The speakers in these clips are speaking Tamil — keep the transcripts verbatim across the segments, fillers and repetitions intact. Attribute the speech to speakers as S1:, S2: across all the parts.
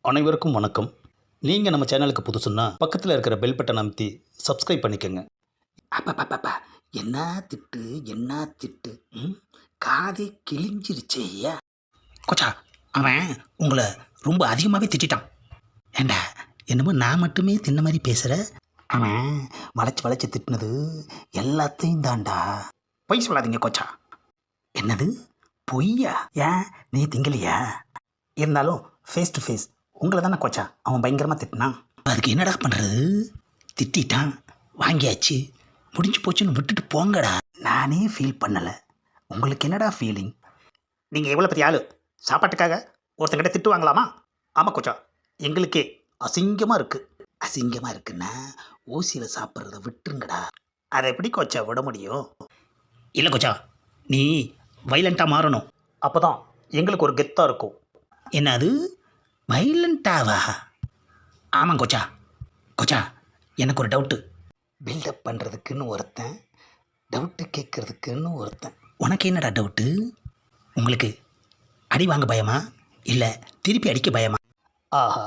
S1: அனைவருக்கும் வணக்கம். நீங்கள் நம்ம சேனலுக்கு புதுசுன்னா பக்கத்தில் இருக்கிற பெல் பட்டன் அமைத்தி சப்ஸ்கிரைப் பண்ணிக்கோங்க.
S2: அப்பப்பப்பா, என்ன திட்டு என்ன திட்டு. ம் காதே கிழிஞ்சிருச்சே ஐயா. கொச்சா, அவன் உங்களை ரொம்ப அதிகமாகவே திட்டான். ஏண்டா, என்னமோ நான் மட்டுமே தின்ன மாதிரி பேசுகிற. அவன் வளைச்சி வளைச்சி திட்டினது எல்லாத்தையும் தாண்டா. பொய் சொல்லாதீங்க கொச்சா. என்னது பொய்யா? ஏன் நீ திங்கலையா? இருந்தாலும் ஃபேஸ் டு ஃபேஸ் உங்களை தானே கொச்சா அவன் பயங்கரமாக திட்டினான். அதுக்கு என்னடா பண்ணுறது? திட்டான், வாங்கியாச்சு, முடிஞ்சு போச்சுன்னு விட்டுட்டு போங்கடா. நானே ஃபீல் பண்ணலை, உங்களுக்கு என்னடா ஃபீலிங்? நீங்கள் எவ்வளோ பெரிய ஆள், சாப்பாட்டுக்காக ஒருத்தங்கிட்ட திட்டு வாங்கலாமா? ஆமாம் கொச்சா, எங்களுக்கே அசிங்கமாக இருக்குது. அசிங்கமாக இருக்குன்னா ஊசியில் சாப்பிட்றத விட்டுருங்கடா. அதை எப்படி கொச்சா விட முடியும்? இல்லை கொச்சா, நீ வைலண்ட்டாக மாறணும், அப்போ தான் எங்களுக்கு ஒரு கெத்தாக இருக்கும். என்னது வைலண்ட்டாவா? ஆமாம் கொச்சா. கொச்சா, எனக்கு ஒரு டவுட்டு. பில்டப் பண்ணுறதுக்குன்னு ஒருத்தன், டவுட்டு கேட்குறதுக்குன்னு ஒருத்தன். உனக்கு என்னடா டவுட்டு? உங்களுக்கு அடி வாங்க பயமா, இல்லை திருப்பி அடிக்க பயமா? ஆஹா,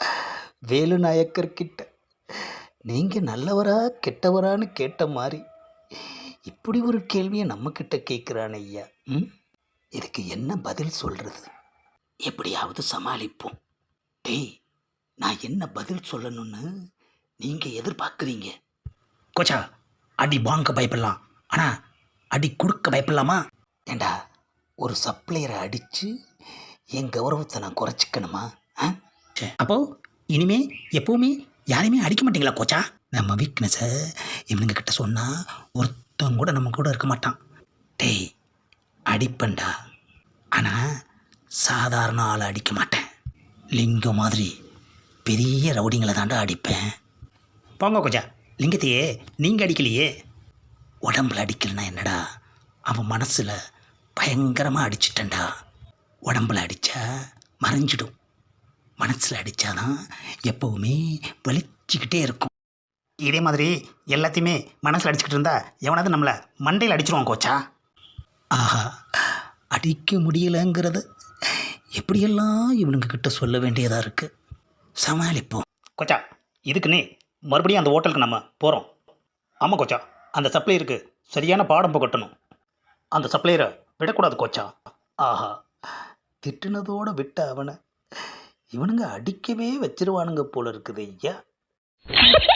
S2: வேலு நாயக்கர்கிட்ட நீங்கள் நல்லவரா கெட்டவரான்னு கேட்ட மாதிரி இப்படி ஒரு கேள்வியை நம்மக்கிட்ட கேட்குறான் ஐயா. ம் இதுக்கு என்ன பதில் சொல்கிறது? எப்படியாவது சமாளிப்போம். டேய், நான் என்ன பதில் சொல்லணும்னு நீங்கள் எதிர்பார்க்குறீங்க? கொச்சா, அடி வாங்க பயப்படலாம், ஆனால் அடி கொடுக்க பயப்படலாமா? ஏண்டா, ஒரு சப்ளையரை அடித்து என் கௌரவத்தை நான் குறைச்சிக்கணுமா? ஆ அப்போது இனிமே எப்போவுமே யாரையுமே அடிக்க மாட்டீங்களா கொச்சா? நம்ம வீக்னஸை இவனுங்க கிட்ட சொன்னால் ஒருத்தவங்க கூட நம்ம கூட இருக்க மாட்டான். டேய், அடிப்பண்டா, ஆனால் சாதாரண ஆளை அடிக்க மாட்டேன். லிங்கம் மாதிரி பெரிய ரவுடிங்களை தாண்டா அடிப்பேன். போங்க கொச்சா, லிங்கத்தையே நீங்கள் அடிக்கலையே. உடம்புல அடிக்கலைன்னா என்னடா, அவன் மனசில் பயங்கரமாக அடிச்சிட்டேன்டா. உடம்புல அடித்தா மறைஞ்சிடும், மனசில் அடித்தாதான் எப்போவுமே வலிச்சிக்கிட்டே இருக்கும். இதே மாதிரி எல்லாத்தையுமே மனசில் அடிச்சுக்கிட்டு இருந்தா எவனாவது நம்மளை மண்டையில் அடிச்சிருவான் கொச்சா. ஆஹா, அடிக்க முடியலைங்கிறத எப்படியெல்லாம் இவனுங்க கிட்ட சொல்ல வேண்டியதாக இருக்குது. சமாளிப்போம் கொச்சா. இதுக்குன்னே மறுபடியும் அந்த ஹோட்டலுக்கு நம்ம போகிறோம். ஆமாம் கொச்சா, அந்த சப்ளையருக்கு சரியான பாடம் புகட்டணும். அந்த சப்ளையரை விடக்கூடாது கொச்சா. ஆஹா, திட்டுனதோடு விட்ட அவனை இவனுங்க அடிக்கவே வச்சிருவானுங்க போல இருக்குது ஐயா.